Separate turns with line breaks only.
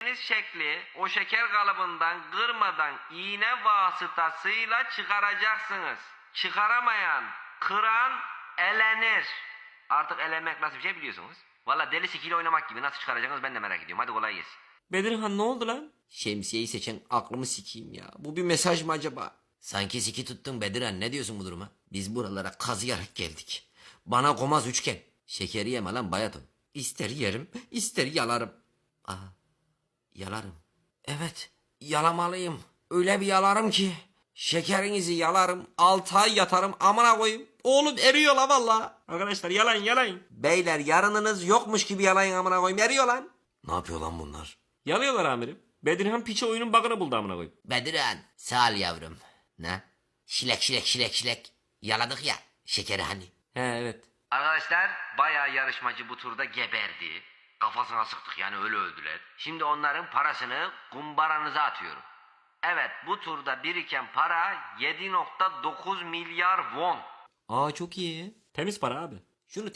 şekli o şeker kalıbından kırmadan iğne vasıtasıyla çıkaracaksınız. Çıkaramayan, kıran elenir. Artık elenmek nasıl bir şey biliyorsunuz. Valla deli sikiyle oynamak gibi nasıl çıkaracaksınız ben de merak ediyorum. Hadi kolay gelsin.
Bedirhan ne oldu lan?
Şemsiyeyi seçen aklımı sikeyim ya. Bu bir mesaj mı acaba? Sanki siki tuttun Bedirhan, ne diyorsun bu duruma? Biz buralara kazıyarak geldik. Bana komaz üçgen. Şekeri yeme lan bayaton. İster yerim, ister yalarım. Aa, yalarım. Evet, yalamalıyım. Öyle bir yalarım ki. Şekerinizi yalarım, 6 ay yatarım, amına koyayım. Oğlum eriyor la valla.
Arkadaşlar yalayın.
Beyler yarınınız yokmuş gibi yalayın, amına koyayım, eriyor lan. Ne yapıyor lan bunlar?
Yalıyorlar amirim. Bedirhan piçe oyunun bug'ını buldu amına koyayım.
Bedirhan sağ ol yavrum. Ne? Şilek. Yaladık ya şekeri hani.
He evet.
Arkadaşlar bayağı yarışmacı bu turda geberdi. Kafasına sıktık yani öyle öldüler. Şimdi onların parasını kumbaranıza atıyorum. Evet bu turda biriken para 7,9 milyar won.
Aa çok iyi.
Temiz para abi.
Şunu